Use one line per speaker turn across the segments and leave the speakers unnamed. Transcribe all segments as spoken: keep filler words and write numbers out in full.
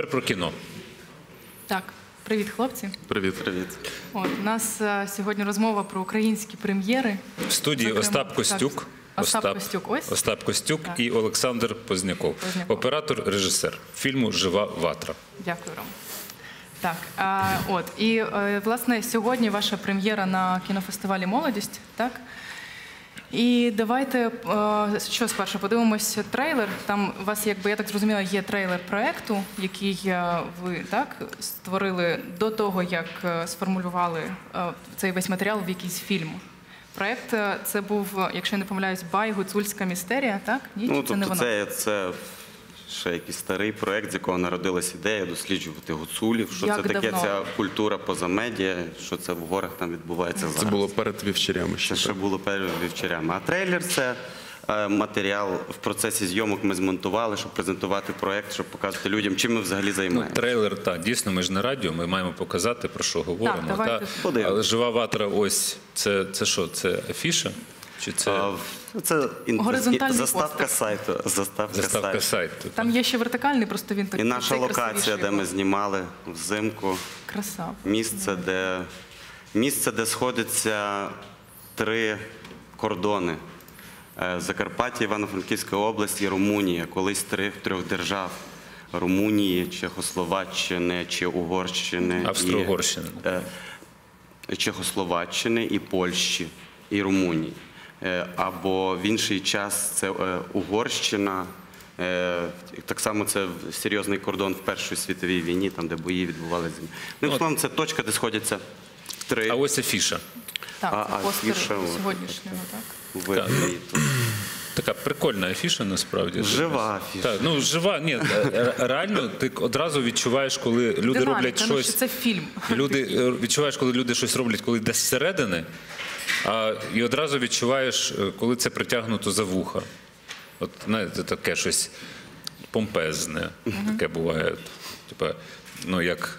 тепер про кіно.
Так, привіт, хлопці.
Привіт. Привіт.
От, у нас а, сьогодні розмова про українські прем'єри.
В студії Зокрема, Остап Костюк.
Так, Остап, Остап Костюк, ось.
Остап Костюк так. І Олександр Позняков. Позняков. Оператор, режисер фільму «Жива ватра».
Дякую, Ром. Так, а, от, і, а, власне, сьогодні ваша прем'єра на кінофестивалі «Молодість», так? І давайте, що спершу, подивимось трейлер. Там у вас, якби, я так зрозуміла, є трейлер проєкту, який ви так створили до того, як сформулювали цей весь матеріал в якийсь фільм. Проєкт це був, якщо я не помиляюсь, «Бай. Гуцульська містерія», так? Ні,
ну,
це
тобто
не воно?
Це, це ще якийсь старий проєкт, з якого народилась ідея досліджувати гуцулів, що
як
це таке
давно?
ця культура поза медіа, що це в горах там відбувається зараз.
Це було перед вівчарями.
Це ще було перед вівчарями. А трейлер – це е, матеріал в процесі зйомок ми змонтували, щоб презентувати проєкт, щоб показати людям, чим ми взагалі займаємося.
Ну, трейлер, так, дійсно, ми ж не радіо, ми маємо показати, про що говоримо.
Так, давайте.
Та, але «Жива ватра», ось, це, це що, це афіша? Чи це...
А, це
Горизонтальний
заставка
постер.
сайту. Заставка,
Заставка
сайту.
сайту.
Там є ще вертикальний, просто він такий.
І наша локація, де ми знімали взимку.
Краса.
Місце, де, місце, де сходяться три кордони. Закарпаття, Івано-Франківська область і Румунія. Колись три, трьох держав. Румунії, Чехословаччини чи Угорщини.
Австро-Угорщини.
І, Чехословаччини і Польщі, і Румунії. Або в інший час це Угорщина. Так само це серйозний кордон в Першій світовій війні, там, де бої відбувалися. Ну, словом, це точка, де сходяться три.
А ось афіша.
Так, це
а,
постер
афіша,
сьогоднішнього, так?
Ви,
так. Така прикольна афіша, насправді.
Жива афіша.
Так, ну, жива, ні, реально, ти одразу відчуваєш, коли люди
Динаміка,
роблять
ну,
щось...
що це фільм.
Люди, відчуваєш, коли люди щось роблять, коли йде зсередини, а, і одразу відчуваєш, коли це притягнуто за вуха. От, знаєте, таке щось помпезне, таке буває. Типа, ну, як...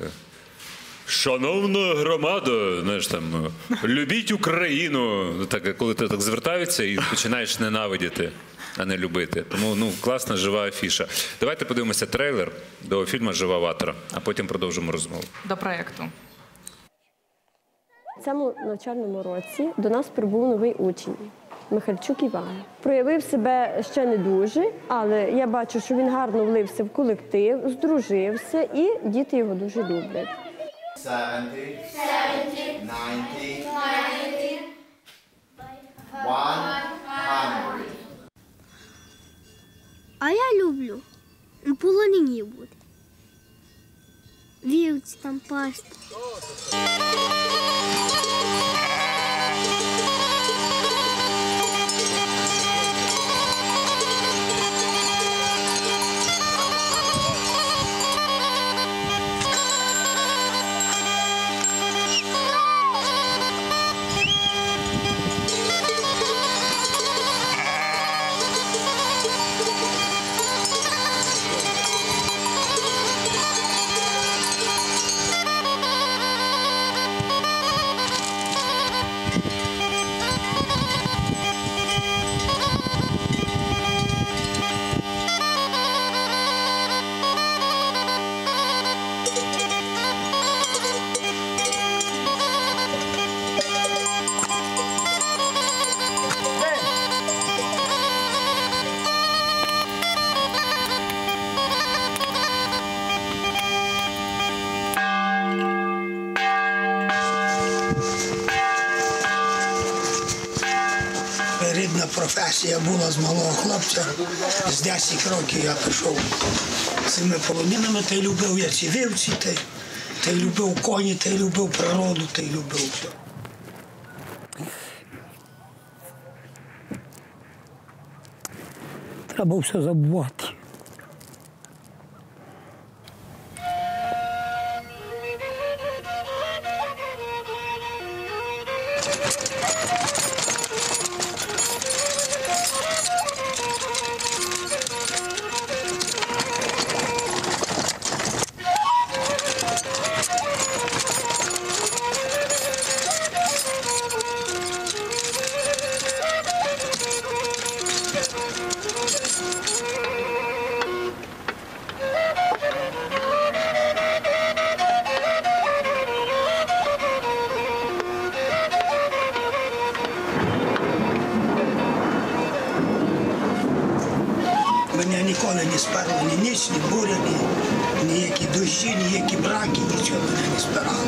Шановна громада, знаєш, там, любіть Україну. Так, коли ти так звертаються і починаєш ненавидіти, а не любити. Тому, ну, класна, жива афіша. Давайте подивимося трейлер до фільму «Жива ватра», а потім продовжимо розмову.
До проєкту.
В цьому навчальному році до нас прибув новий учень – Михальчук Іван. Проявив себе ще не дуже, але я бачу, що він гарно влився в колектив, здружився і діти його дуже люблять.
seventy, seventy, ninety, ninety, one hundred.
А я люблю на полонині бути. Вівці там пасти.
Рідна професія була з малого хлопця. З десять років я пішов цими полонинами, та й любив я ці вівці, та й, та й любив коні, та й любив природу, та й любив все. Треба все забувати. Мене ніколи не сперло ні ніч, ні буря, ні ніякі дощі, ніякі браки, нічого мене не спирало.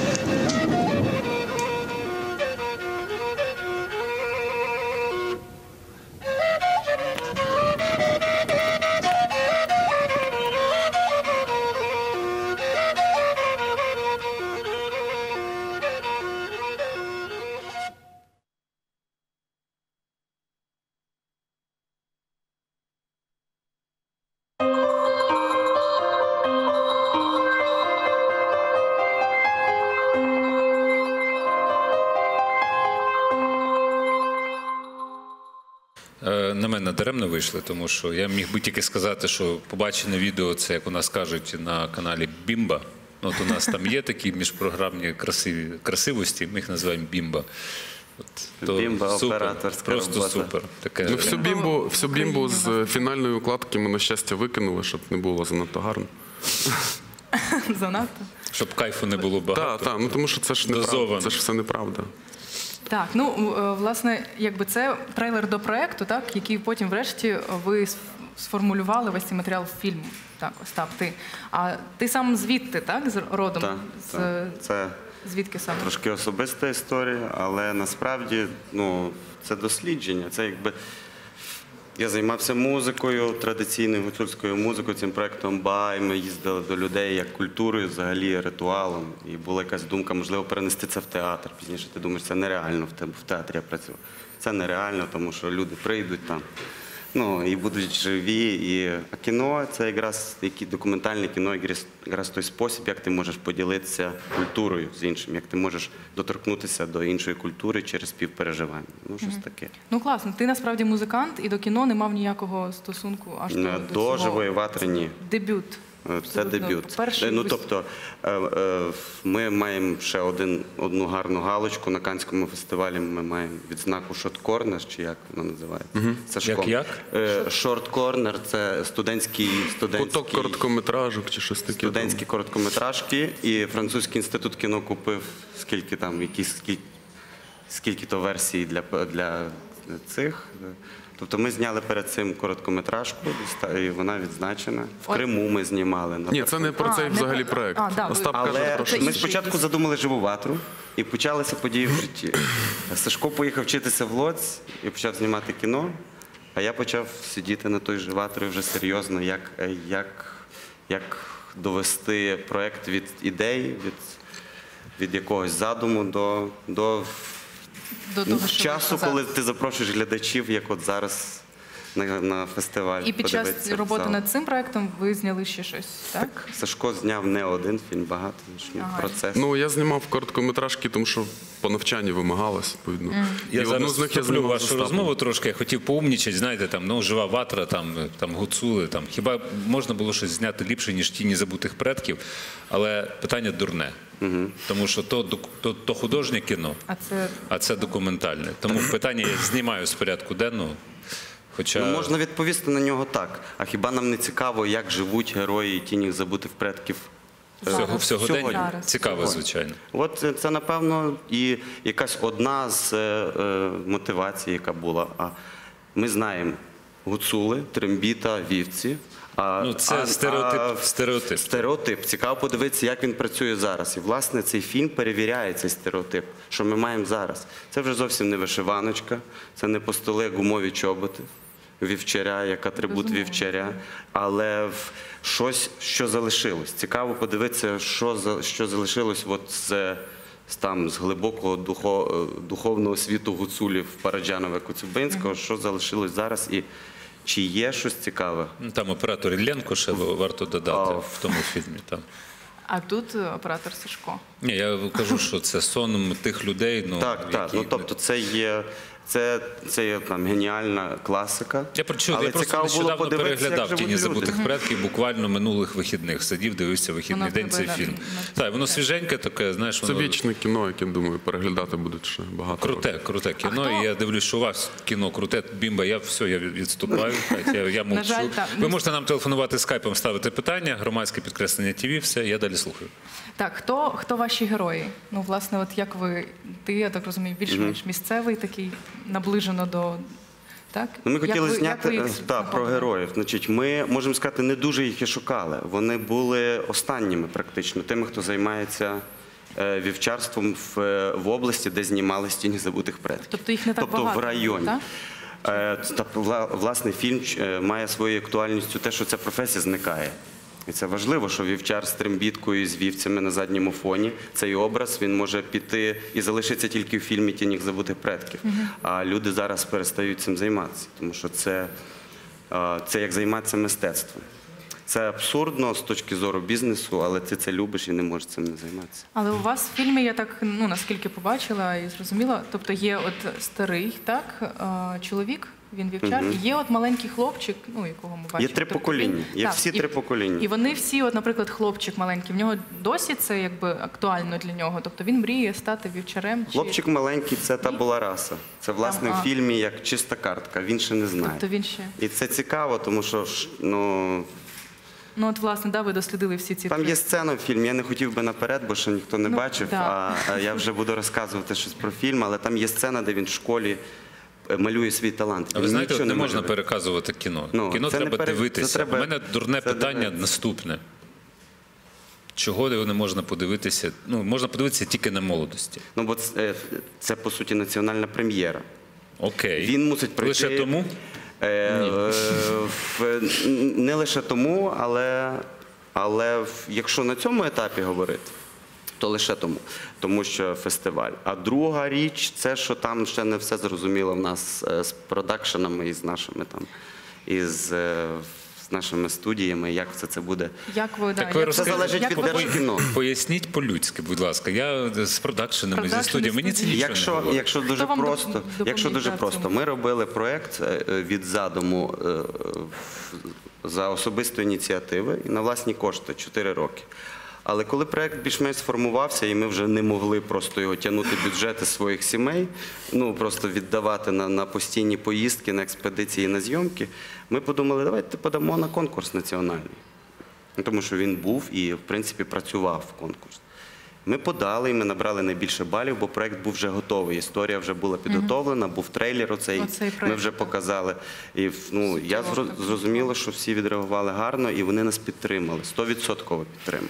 Е, На мене даремно вийшли, тому що я міг би тільки сказати, що побачене відео, це, як у нас кажуть, на каналі Бімба. От у нас там є такі міжпрограмні красиві, красивості, ми їх називаємо Бімба. От, то
Бімба,
супер,
операторська
просто
робота.
супер. Таке,
Ну, всю бімбу, всю бімбу з фінальної укладки ми, на щастя, викинули, щоб не було занадто гарно.
Занадто.
щоб кайфу не було
Так,
багато.
так, ну тому що це ж неправда,
Дозовано.
це ж все неправда.
Так, ну е, власне, якби це трейлер до проекту, так, який потім, врешті, ви с- сформулювали весь цей матеріал в фільм. Так, Остап, ти. А ти сам звідти, так, з родом?
Так,
з,
так. Це
Звідки саме?
трошки особиста історія, але насправді ну, це дослідження. Це якби я займався музикою, традиційною гуцульською музикою, цим проєктом Бай. Ми їздили до людей як культурою, взагалі ритуалом. І була якась думка, можливо, перенести це в театр. Пізніше ти думаєш, це нереально в те- в театрі я працював. Це нереально, тому що люди прийдуть там. Ну, і будуть живі. І... А кіно – це якраз які документальне кіно, якраз, якраз той спосіб, як ти можеш поділитися культурою з іншим, як ти можеш доторкнутися до іншої культури через співпереживання. Ну, щось таке.
Ну класно, ти насправді музикант і до кіно не мав ніякого стосунку аж до,
Е,
до
До
цього.
живої ватри ні.
Дебют.
Це
Абсолютно.
дебют.
Перший
Е, Ну,
вис-
тобто, е, е, ми маємо ще один, одну гарну галочку на Каннському фестивалі. Ми маємо відзнаку Short Corner, чи як вона називається? Сашком.
Як,
Е, Short Corner – це студентський, студентський,
Куток короткометражок чи щось таке.
студентські короткометражки. І Французький інститут кіно купив скільки там, якісь скільки, скільки то версій для, для цих. Тобто ми зняли перед цим короткометражку, і вона відзначена. В Криму ми знімали.
Ні, це не про
А,
цей
не
взагалі
про-
проект.
А, да, ви-
Остап каже
Але
про
Це
що.
ми
інший
спочатку
якийсь.
задумали живу ватру і почалися події в житті. Сашко поїхав вчитися в Лоць і почав знімати кіно, а я почав сидіти на той же ватрі вже серйозно, як, як, як довести проект від ідей, від, від якогось задуму до, до
До того, що
часу,
ви
коли
сказали.
ти запрошуєш глядачів, як от зараз на, на фестиваль.
І під час
подивитися в
роботи
зал.
над цим проектом ви зняли ще щось, так?
Сашко зняв не один фільм, багато значно,
Ага.
процес.
Ну, я знімав короткометражки, тому що по навчанні вимагалось, відповідно.
Я
І
зараз
одну з них я
вступлю в
знімав з
вашу
Остапом.
розмову трошки. Я хотів поумнічати, знаєте, там, ну, жива ватра, там, там гуцули. Там. Хіба можна було щось зняти ліпше, ніж тіні забутих предків? Але питання дурне. Тому що то, док- то, то художнє кіно,
А це
а це документальне. Тому питання я знімаю з порядку денного. Хоча...
Ну, можна відповісти на нього так. А хіба нам не цікаво, як живуть герої тінів забутих предків? е,
Всього, всього
сьогодні?
день
Зараз.
цікаво, звичайно.
От це, це, напевно, і якась одна з е, е, мотивацій, яка була. А ми знаємо гуцули, трембіта, вівці. А,
Ну, це стереотип- стереотип.
Стереотип. Цікаво подивитися, як він працює зараз. І, власне, цей фільм перевіряє цей стереотип, що ми маємо зараз. Це вже зовсім не вишиваночка, це не постоли, гумові чоботи. Вівчаря, як атрибут
Безумовно.
вівчаря, але в щось, що залишилось. Цікаво подивитися, що, за- що залишилось от з, з, там, з глибокого духо, духовного світу гуцулів Параджанова Коцюбинського, що залишилось зараз і чи є щось цікаве.
Ну, там оператор Ілленко ще варто додати
А.
в тому фільмі. Там.
а тут е, оператор Сашко.
Ні, я кажу, що це сон тих людей. Ну,
Так, так.
які...
Ну, тобто це є, це, це є там, геніальна класика.
Я прочув,
але
я просто
цікаво було
нещодавно
подивитися, як
переглядав
живуть
«Тіні
люди.
забутих предків» буквально минулих вихідних. Сидів, дивився вихідний
Воно
день
тебе
цей
на-
фільм.
на-
Так, воно свіженьке таке, знаєш,
Це
воно
вічне кіно, яке, думаю, переглядати будуть ще багато років.
круте, круте кіно.
хто-
І я дивлюсь, що у вас кіно круте. Бімба, я все, я відступаю. так, Я, я мовчу.
жаль, так.
Ви можете нам телефонувати скайпом, ставити питання, громадське підкреслення ТВ, все, я далі слухаю.
Так, хто, хто ваші герої? Ну, власне, от як ви, ти, я так розумію, більш-менш місцевий, такий, наближено до Так?
Ну, ми
Як
хотіли
ви- як
зняти
ви їх
е, та, про
знаходили?
героїв. Значить, ми, можемо сказати, не дуже їх і шукали. Вони були останніми практично, тими, хто займається е, вівчарством в, е, в області, де знімали «Тіні забутих предків».
Тобто їх не так
тобто
багато,
в районі.
так?
Е, та, вла- власне, фільм е, має своєю актуальністю те, що ця професія зникає. І це важливо, що вівчар з трембіткою, з вівцями на задньому фоні, цей образ, він може піти і залишиться тільки в фільмі «Тіні забутих предків». А люди зараз перестають цим займатися, тому що це, е, це як займатися мистецтвом. Це абсурдно з точки зору бізнесу, але ти це любиш і не можеш цим не займатися.
Але у вас в фільмі, я так, ну, наскільки побачила і зрозуміла, тобто є от старий, так, е, чоловік, він вівчар, і є от маленький хлопчик, ну, якого ми бачимо.
Є три
Тобто
покоління,
він-
є
так,
всі
і-
три покоління.
І вони всі, от, наприклад, хлопчик маленький, в нього досі це якби актуально для нього, тобто він мріє стати вівчарем? Чи...
Хлопчик маленький – це та була раса. Це, власне,
Ага.
в фільмі як чиста картка, він ще не знає.
Тобто він ще...
І це цікаво, тому що ж, ну,
Ну, от, власне, да, ви дослідили всі ці
там
три.
є сцена в фільмі, я не хотів би наперед, бо ще ніхто не
Ну,
бачив,
да.
а, а я вже буду розказувати щось про фільм, але там є сцена, де він в школі е, малює свій талант.
А ви
Він
знаєте,
нічого
не можна
малює.
переказувати кіно.
Ну,
Кіно
це не
треба
пере- це
дивитися.
треба-
У мене дурне
це
питання
дивитися.
наступне. Чого не можна подивитися? Ну, можна подивитися тільки на молодості.
Ну, бо це, е, це, по суті, національна прем'єра.
Окей.
Він мусить прийти...
Лише тому?
Е, е, в- не лише тому, але, але в- якщо на цьому етапі говорити, то лише тому, тому що фестиваль. А друга річ, це що там ще не все зрозуміло в нас е, з продакшенами і з нашими там, із е, з нашими студіями, як все це буде.
Як ви, да,
Так ви
як ви-
Це залежить
як
від
ви-
Держкіно.
Поясніть по-людськи, будь ласка. Я з продакшенами, зі
Продакшени,
студією, мені це
студії.
нічого не
Якщо,
говорить.
якщо дуже
вам
просто,
доп-
якщо дуже
допоміг,
просто,
так,
ми робили проєкт е, від задуму е, в- за особистої ініціативи і на власні кошти чотири роки. Але коли проєкт більш-менш сформувався, і ми вже не могли просто його тягнути бюджети своїх сімей, ну просто віддавати на, на постійні поїздки, на експедиції, на зйомки, ми подумали, давайте подамо на конкурс національний. Ну, тому що він був і, в принципі, працював в конкурс. Ми подали, і ми набрали найбільше балів, бо проєкт був вже готовий. Історія вже була підготовлена, був трейлер оцей,
Оцей
ми
проєкт,
вже показали. І ну, я зро- зрозуміла, що всі відреагували гарно, і вони нас підтримали, стовідсотково підтримали.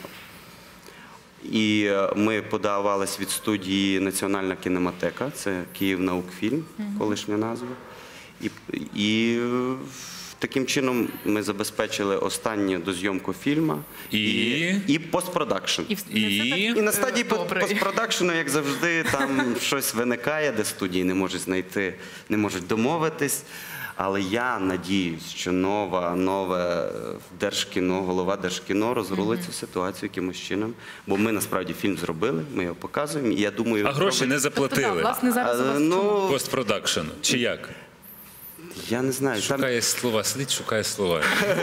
І е, ми подавались від студії Національна кінематека, це Київнаукфільм, колишня назва. І, і е, таким чином ми забезпечили останню дозйомку фільму
І?
і постпродакшн.
І, в-
І?
не все так,
І на стадії
е,
по-
добре.
постпродакшену, як завжди, там щось виникає, де студії не можуть знайти, не можуть домовитись. Але я надіюсь, що нова, нове Держкіно, голова Держкіно розрулить цю ситуацію якимось чином. Бо ми насправді фільм зробили, ми його показуємо. І я думаю,
А гроші
робить-
не
Тобто, да,
заплатили.
власне, зараз у вас
А,
в чому?
ну,
Постпродакшн. Чи як?
я не знаю. Там...
Шукає слова, сидить, шукає слова.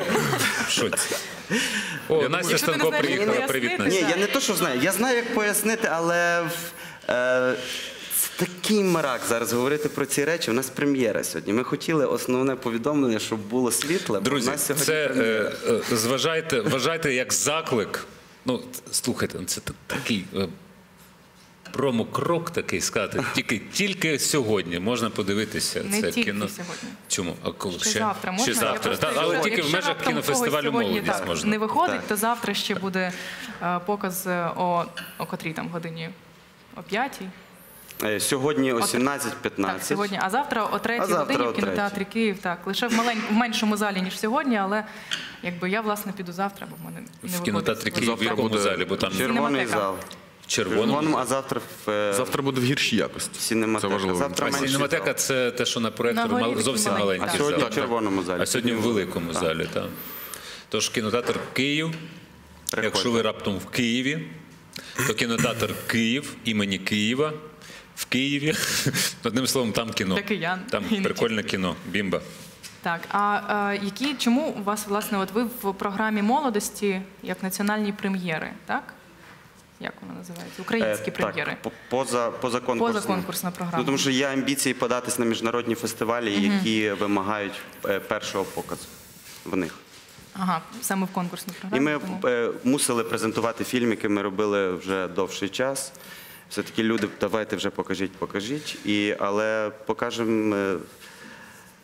Що це? О, Настя
Якщо ти не
Станко
знаєш, як
приїхала. Привіт,
пояснити,
Настя.
Ні, я не то, що знаю. Я знаю, як пояснити, але в- е, це такий мрак зараз говорити про ці речі. У нас прем'єра сьогодні. Ми хотіли основне повідомлення, щоб було світле. бо
Друзі,
у нас сьогодні
це
прем'єра.
е, е, зважайте, вважайте як заклик. Ну, слухайте, це та- такий е, промокрок такий сказати. Тільки, тільки сьогодні можна подивитися
Не
це
тільки
кіно.
сьогодні.
Чому? А коли
Ще
ще?
завтра можна?
Ще
Я
завтра.
просто
Та,
кажу,
але тільки в
якщо
межах
раптом
кінофестивалю
когось сьогодні
молодість
так
можна.
не виходить,
Так.
то завтра ще буде е, показ е, о, о котрій там годині? О п'ятій?
Е, Сьогодні о
О,
сімнадцять
Так,
п'ятнадцять.
сьогодні. А завтра о третій
А завтра
годині
о
в кінотеатрі Київ. Так, лише в, малень... в меншому залі, ніж сьогодні, але якби я, власне, піду завтра, бо в мене не
В
виходить.
кінотеатрі Київ в
Завтра
якому
буде
залі? Бо там
Червоний
Сінематека.
зал.
в червоному.
Червоному, а завтра в е,
Завтра буде в гіршій якості.
Сінематека.
Це важливо.
Завтра
А
менший
сінематека
зал.
це те, що на проекторі
На горі
мал-
такий
зовсім
маленький,
маленький
А
так.
сьогодні
зал.
в червоному залі.
А сьогодні в великому
Так.
залі, так. Тож кінотеатр Київ.
Приходьте.
Якщо ви раптом в Києві, то кінотеатр Київ імені Києва в Києві. Одним словом, там кіно.
Для киян.
Там
І не
прикольне кіно. Бімба.
Так, а е, які, чому у вас, власне, от ви в програмі молодості як національні прем'єри, так? Як вона називається? Українські
Е,
прем'єри.
Так, по- поза, позаконкурсна.
Позаконкурсна програма.
Ну, тому що є амбіції податись на міжнародні фестивалі, які вимагають е, першого показу в них.
Ага, саме в конкурсній
І
програмі.
ми
тому-
е, мусили презентувати фільм, який ми робили вже довший час. Все-таки люди, давайте вже покажіть, покажіть. І, але покажемо е,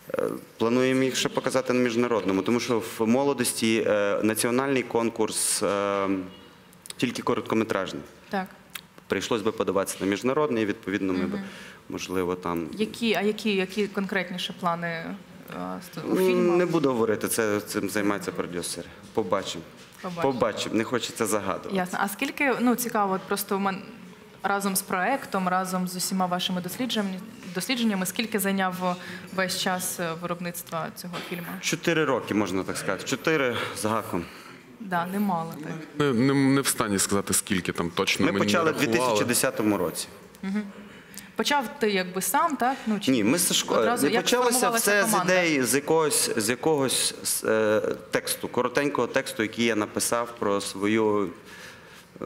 Е, Плануємо їх ще показати на міжнародному, тому що в молодості е, національний конкурс е, тільки короткометражний.
Так.
Прийшлось би подаватися на міжнародний, і, відповідно, ми б, можливо, там...
Які, а які, які конкретніше плани е, у фільму?
Не буду говорити, це, цим займаються продюсери. Побачимо.
Побачимо.
Побачимо, не хочеться загадувати.
Ясно. А скільки, ну цікаво, от просто в мен- разом з проектом, разом з усіма вашими дослідженнями, дослідженнями, скільки зайняв весь час е, виробництва цього фільму?
Чотири роки, можна так сказати. Чотири з гаком.
Да, немало так.
Не, не, не в стані сказати, скільки там точно
Ми
мені
почали в
рахували.
дві тисячі десятому році.
Почав ти якби сам, так? Ну, чи
Ні, ми з Сашко...
одразу-
не
як
почалося
сформувалася
все з
команда?
ідеї, з якогось, з якогось е, тексту, коротенького тексту, який я написав про свою е,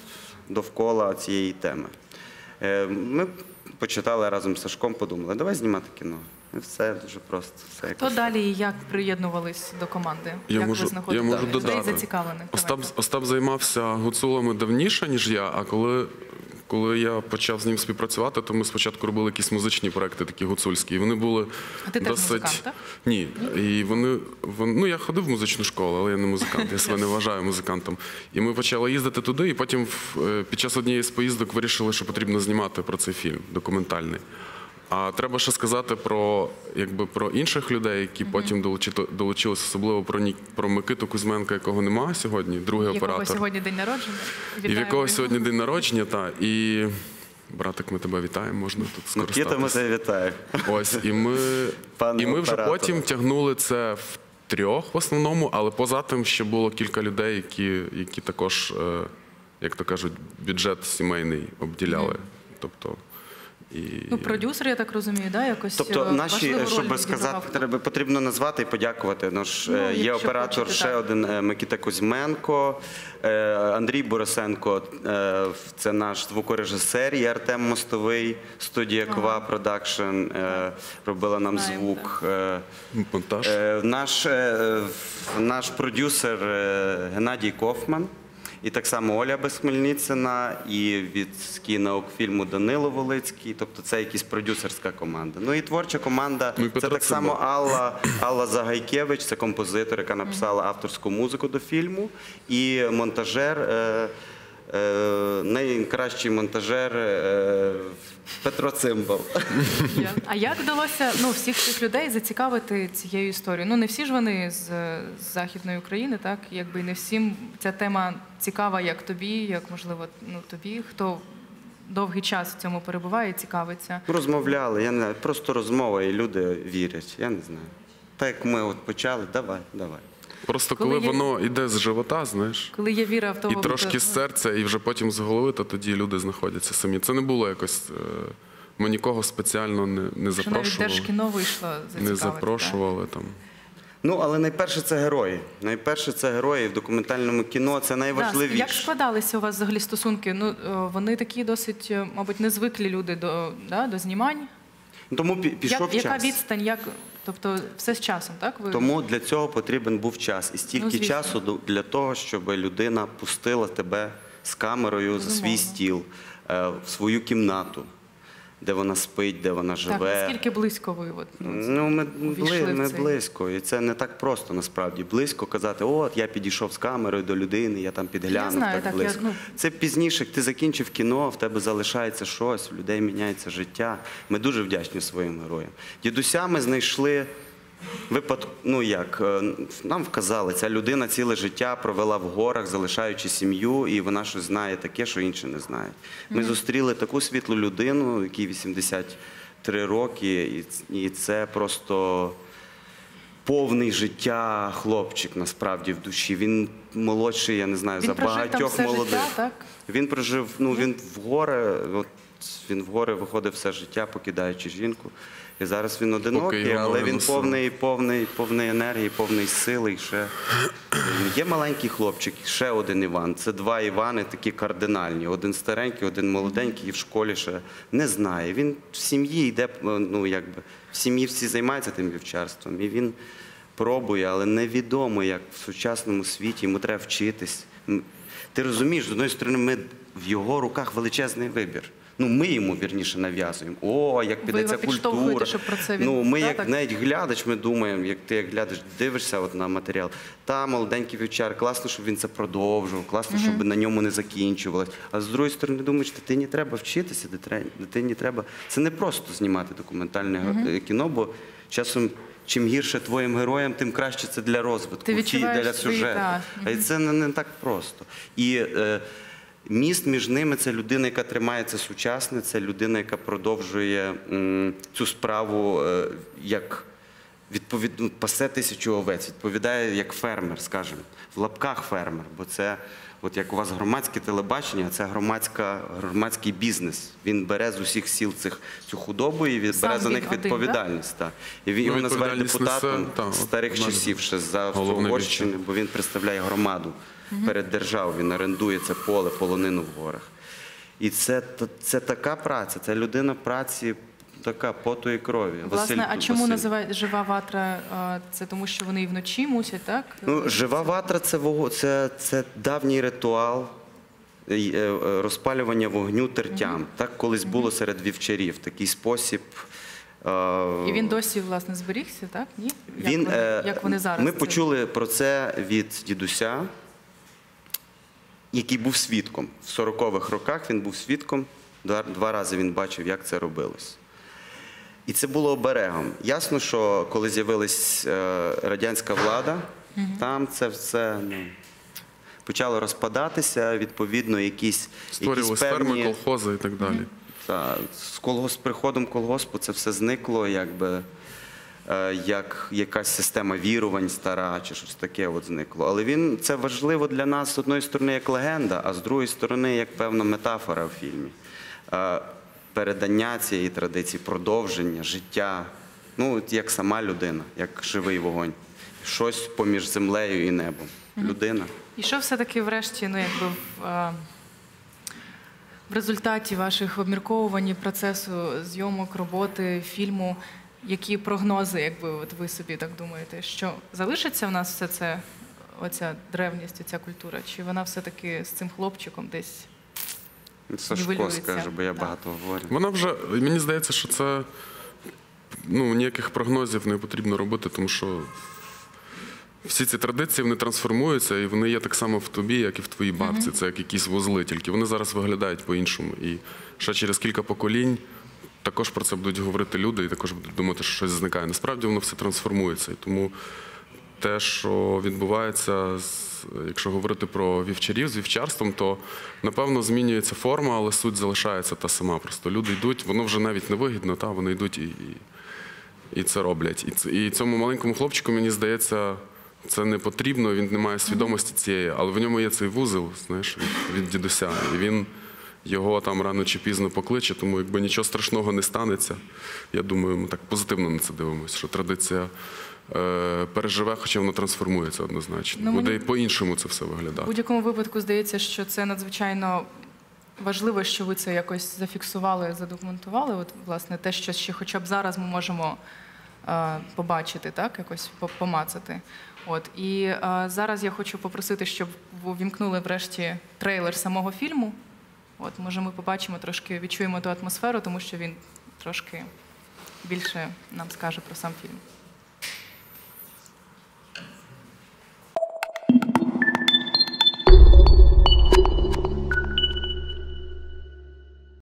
довкола цієї теми. Е, ми почитали разом з Сашком, подумали, давай знімати кіно. І все дуже просто. Все
Хто
якось.
далі і як приєднувались до команди?
Я
як
можу,
ви знаходите
я можу
людей
додати.
зацікавлених?
Остап,
Давайте.
Остап займався гуцулами давніше, ніж я, а коли, коли я почав з ним співпрацювати, то ми спочатку робили якісь музичні проекти, такі гуцульські. І вони були
А ти теж
досить...
музикант, так?
Ні. І вони, вони... Ну, я ходив в музичну школу, але я не музикант, я себе не вважаю музикантом. І ми почали їздити туди, і потім в- е, під час однієї з поїздок вирішили, що потрібно знімати про цей фільм, документальний. А треба ще сказати про, якби, про інших людей, які потім долучили, долучилися, особливо про, Ні- про Микиту Кузьменка, якого немає сьогодні, другий
Якого
оператор.
сьогодні день народження?
І в
Вітаємо
якого
його.
сьогодні день народження, та і братик, ми тебе вітаємо, можна тут
Микита, ми
скористатися.
тебе вітаю.
Ось, і ми,
Пане
і ми вже
операторе.
потім тягнули це в трьох в основному, але поза тим ще було кілька людей, які, які також, е, як то кажуть, бюджет сімейний обділяли. Тобто, і...
Ну, продюсер, я так розумію, да, якось
Тобто
е,
наші,
важливу роль
щоб
відігравав.
сказати, треба, потрібно назвати і подякувати. Ну, ж,
Ну,
е, є
якщо
оператор
хочете,
ще
так.
один е, Микита Кузьменко, е, Андрій Борисенко, е, це наш звукорежисер, і Артем Мостовий, студія Ква Продакшн, е, робила нам
Знаємо,
звук. Е,
монтаж.
Е, Наш, е, наш продюсер е, Геннадій Кофман, і так само Оля Безхмельницина, і від кінофільму Данило Волицький. Тобто це якась продюсерська команда. Ну і творча команда,
Ну, і
це
Петро
так само
Цимбал.
Алла, Алла Загайкевич, це композитор, яка написала авторську музику до фільму, і монтажер. Е, е, найкращий монтажер е, Петро Цимбал.
Я- А як вдалося ну, всіх цих людей зацікавити цією історією? Ну, не всі ж вони з, з Західної України, так? Якби не всім ця тема цікава, як тобі, як, можливо, ну, тобі, хто довгий час в цьому перебуває і цікавиться.
Розмовляли, я не знаю, просто розмова, і люди вірять, я не знаю. Так як ми от почали, давай, давай.
Просто
коли
коли
є-
воно йде з живота, знаєш,
Коли є віра в того,
і трошки
хто-
з серця, і вже потім з голови, то тоді люди знаходяться самі. Це не було якось. е, Ми нікого спеціально не, не
що навіть
запрошували.
Держкіно вийшло зацікавити.
Не запрошували там.
Ну, але найперше це герої. Найперше це герої в документальному кіно, це
Так? Да,
найважливіше.
як складалися у вас взагалі стосунки? Ну, е, вони такі досить, е, мабуть, незвиклі люди до, да, до знімань.
Тому пі- пішов
Як, яка
час.
відстань, як, тобто все з часом, так? Ви...
Тому для цього потрібен був час. І стільки
Ну, звісно.
часу до- для того, щоб людина пустила тебе з камерою за свій
Безумовно.
стіл, е, в свою кімнату, де вона спить, де вона
Так,
живе.
наскільки близько ви? От, ну,
Ну, ми,
увійшли
бли,
в
ми
цей-
близько, і це не так просто насправді. Близько казати, от я підійшов з камерою до людини, я там підглянув,
знаю,
так,
так, я,
близько.
ну-
Це пізніше, як ти закінчив кіно, в тебе залишається щось, в людей міняється життя. Ми дуже вдячні своїм героям. Дідуся ми знайшли випадку, ну як, е, нам вказали, ця людина ціле життя провела в горах, залишаючи сім'ю, і вона щось знає таке, що інші не знають. Ми зустріли таку світлу людину, якій вісімдесят три роки, і ц- і це просто повний життя хлопчик насправді в душі. Він молодший, я не знаю,
Він
за
прожив там
багатьох
все
молодих.
життя, так?
Він прожив, ну він в гори, от він в гори виходив все життя, покидаючи жінку. І зараз він одинокий,
його
але
ноги
він
носили.
повний, повний, повний енергії, повний сили. І ще є маленький хлопчик, ще один Іван. Це два Івани такі кардинальні. Один старенький, один молоденький, і в школі ще не знає. Він в сім'ї йде, ну якби в сім'ї всі займаються тим вівчарством. І він пробує, але невідомо, як в сучасному світі йому треба вчитись. М, Ти розумієш, з однієї сторони, ми в його руках величезний вибір. Ну, ми йому, вірніше, нав'язуємо. О, як піде
його
ця
підштовхуєте,
культура.
щоб про це він-
Ну, ми,
Да,
як
так?
навіть глядач, ми думаємо, як ти як глядач дивишся от на матеріал. Та, молоденький вівчар, класно, щоб він це продовжував, класно, щоб на ньому не закінчувалось. А з другої сторони, думаєш, дитині треба вчитися, дитре- дитині треба... Це не просто знімати документальне е, кіно, бо часом чим гірше твоїм героям, тим краще це для розвитку,
Ти
чи
відчуваєш
для
свої,
сюжету.
так.
А це не, не так просто. І е, міст між ними – це людина, яка тримається сучасне, це людина, яка продовжує м, цю справу е, як відповід... ну, пасе тисячу овець, відповідає як фермер, скажімо, в лапках фермер, бо це, от як у вас громадське телебачення, це громадська, громадський бізнес. Він бере з усіх сіл цих, цю худобу і від-
Сам
бере за
він
них
один,
відповідальність. Так? І він
Ну,
його називають
відповідальність
депутатом
несе, та, от,
старих
в мене
часів, ще за
головне
Угорщини,
відчуття.
бо він представляє громаду перед державою, він орендує це поле, полонину в горах. І це, та- це така праця, це людина праці, така поту і крові.
Власне,
Василь-
а чому
Василь.
називають жива ватра? а, Це тому, що вони і вночі мусять, так?
Ну, жива ватра це, вого- це, це давній ритуал е, е, розпалювання вогню тертям. Так колись було серед вівчарів. Такий спосіб. е,
І він досі, власне, зберігся, так? Ні? Як,
Він,
вони,
е,
як вони зараз?
Ми
це-
почули про це від дідуся, який був свідком. В сорокових роках він був свідком, два, два рази він бачив, як це робилось. І це було оберегом. Ясно, що коли з'явилась е, радянська влада, там це все ну, почало розпадатися, відповідно, якісь, якісь
Створювалися
певні...
ферми, колхози і так далі.
Та, з колгосп, приходом колгоспу це все зникло, якби, е, як якась система вірувань стара чи щось таке от зникло. Але він, це важливо для нас, з одної сторони, як легенда, а з другої сторони, як певна метафора в фільмі. Е, передання цієї традиції, продовження, життя, ну, от як сама людина, як живий вогонь. Щось поміж землею і небом. Людина.
І що все-таки врешті, ну, якби в, е, в результаті ваших обмірковувань, процесу зйомок, роботи, фільму, які прогнози, якби от ви собі так думаєте, що залишиться в нас все це, оця древність, оця культура, чи вона все-таки з цим хлопчиком десь
Сашко
нівелюється?
скаже, бо я
Так.
багато говорю.
Вона вже, мені здається, що це ну, ніяких прогнозів не потрібно робити, тому що всі ці традиції вони трансформуються, і вони є так само в тобі, як і в твоїй бабці. Це як якісь вузли, тільки вони зараз виглядають по-іншому. І ще через кілька поколінь також про це будуть говорити люди, і також будуть думати, що щось зникає. Насправді воно все трансформується. І тому те, що відбувається, з- якщо говорити про вівчарів з вівчарством, то напевно змінюється форма, але суть залишається та сама. Просто люди йдуть, воно вже навіть не вигідно, та вони йдуть і, і, і це роблять. І, ц- і цьому маленькому хлопчику, мені здається, це не потрібно, він не має свідомості цієї, але в ньому є цей вузол, знаєш, від, від дідуся. І він його там рано чи пізно покличе, тому якби нічого страшного не станеться. Я думаю, ми так позитивно на це дивимося, що традиція е, переживе, хоча воно трансформується однозначно.
Ну,
Буде
мені-
і по-іншому це все
В
виглядати.
будь-якому випадку здається, що це надзвичайно важливо, що ви це якось зафіксували, задокументували. От, власне, те, що ще хоча б зараз ми можемо е, побачити, так, якось по- помацати. От. І е, зараз я хочу попросити, щоб ви увімкнули врешті трейлер самого фільму. От, може, ми побачимо трошки, відчуємо ту атмосферу, тому що він трошки більше нам скаже про сам фільм.